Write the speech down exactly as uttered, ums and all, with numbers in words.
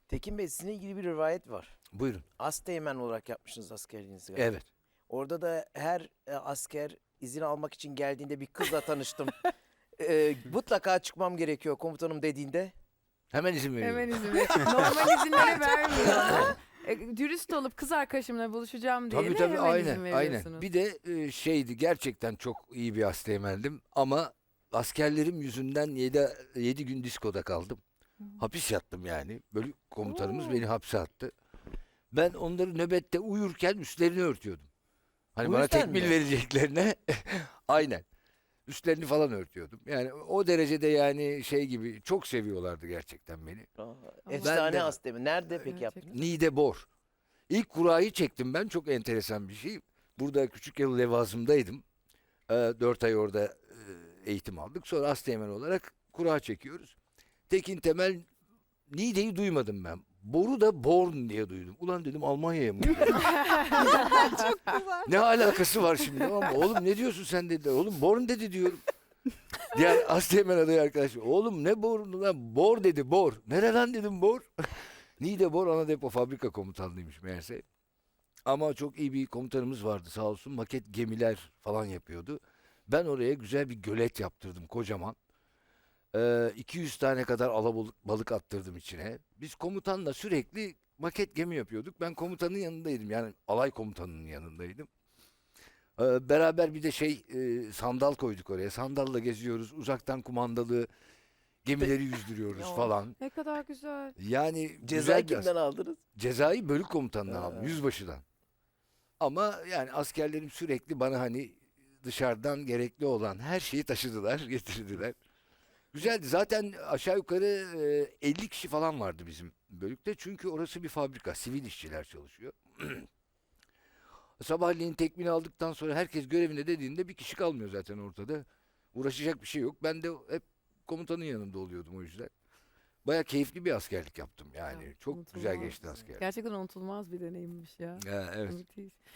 Tekin Bey, sizinle ilgili bir rivayet var. Buyurun. Asteğmen olarak yapmışsınız askerliğinizi galiba. Evet. Orada da her e, asker izin almak için geldiğinde bir kızla tanıştım. E, mutlaka çıkmam gerekiyor komutanım dediğinde. Hemen izin veriyorum. Hemen izin ver. Normal izinleri vermiyor. E, dürüst olup kız arkadaşımla buluşacağım diye Tabii de tabii hemen izin aynen veriyorsunuz. aynen. Bir de e, şeydi, gerçekten çok iyi bir asteğmendim ama askerlerim yüzünden yedi yedi gün diskoda kaldım. Hapis yattım yani. Bölük komutanımız Oo. beni hapse attı. Ben onları nöbette uyurken üstlerini örtüyordum. Hani Bu bana yüzden tekmil mi? vereceklerine aynen. Üstlerini falan örtüyordum. Yani o derecede, yani şey gibi, çok seviyorlardı gerçekten beni. Aa, Ben efsane de- asteğmen. Nerede peki Gerçekten. yaptınız? Niğde Bor. İlk kurayı çektim ben. Çok enteresan bir şey. Burada küçük yıl levazımdaydım. Ee, dört ay orada e, eğitim aldık. Sonra asteğmen olarak kura çekiyoruz. Tekin Temel, Niğde'yi duymadım ben. Bor'u da Born diye duydum. Ulan dedim, Almanya'ya mı? Ne alakası var şimdi, tamam mı? Oğlum ne diyorsun sen, dedi. Oğlum Born dedi diyorum. Diğer asteğmen adayı arkadaş, oğlum ne Born'u lan? Bor dedi, Bor. Nereden dedim, Bor? Niğde Bor ana depo fabrika komutanlığıymış meğerse. Ama çok iyi bir komutanımız vardı sağ olsun. Maket gemiler falan yapıyordu. Ben oraya güzel bir gölet yaptırdım, kocaman. Ee, iki yüz tane kadar alabalık balık attırdım içine. Biz komutanla sürekli maket gemi yapıyorduk. Ben komutanın yanındaydım. Yani alay komutanının yanındaydım. Ee, beraber bir de şey e, sandal koyduk oraya. Sandalla geziyoruz. Uzaktan kumandalı gemileri yüzdürüyoruz Ya. falan. Ne kadar güzel. Yani Cezayı güzel bir kimden aldınız? Cezayı bölük komutanından Ha. aldım, yüzbaşıdan. Ama yani askerlerim sürekli bana hani dışarıdan gerekli olan her şeyi taşıdılar, getirdiler. Güzeldi. Zaten aşağı yukarı e, elli kişi falan vardı bizim bölükte. Çünkü orası bir fabrika, sivil işçiler çalışıyor. Sabahleyin tekmini aldıktan sonra herkes görevine dediğinde bir kişi kalmıyor zaten ortada. Uğraşacak bir şey yok. Ben de hep komutanın yanında oluyordum o yüzden. Baya keyifli bir askerlik yaptım yani. Ya, Çok güzel unutulmaz. geçti asker. Gerçekten unutulmaz bir deneyimmiş ya. Ya, evet. Müthiş.